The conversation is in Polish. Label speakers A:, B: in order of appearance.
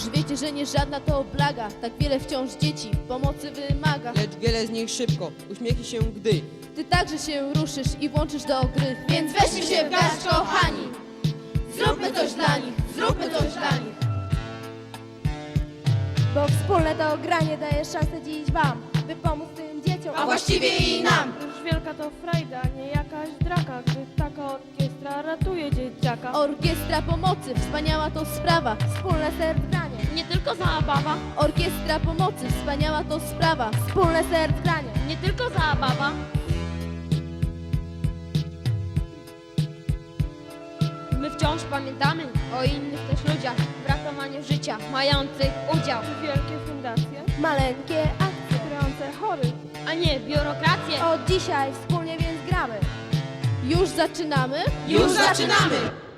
A: Już wiecie, że nie żadna to oblaga, tak wiele wciąż dzieci pomocy wymaga.
B: Lecz wiele z nich szybko uśmiechnie się, gdy
A: Ty także się ruszysz i włączysz do gry. Więc weźmy się w garść, kochani, zróbmy coś dla nich, zróbmy coś dla nich.
C: Bo wspólne to granie daje szansę dziś wam, by pomóc tym dzieciom,
A: A właściwie i nam.
D: Już wielka to frajda, nie jakaś draka, gdy taka orkiestra ratuje dzieciaka.
A: Orkiestra pomocy, wspaniała to sprawa.
C: wspólne serc granie,
E: Nie tylko zabawa,
A: Orkiestra pomocy, wspaniała to sprawa.
C: wspólne serc granie.
E: nie tylko zabawa. My wciąż pamiętamy o innych też ludziach w ratowaniu życia, mających udział,
D: Wielkie fundacje,
C: Maleńkie akcje,
D: wspierające chorych.
E: a nie biurokrację.
C: od dzisiaj wspólnie więc gramy.
A: Już zaczynamy?
B: już zaczynamy!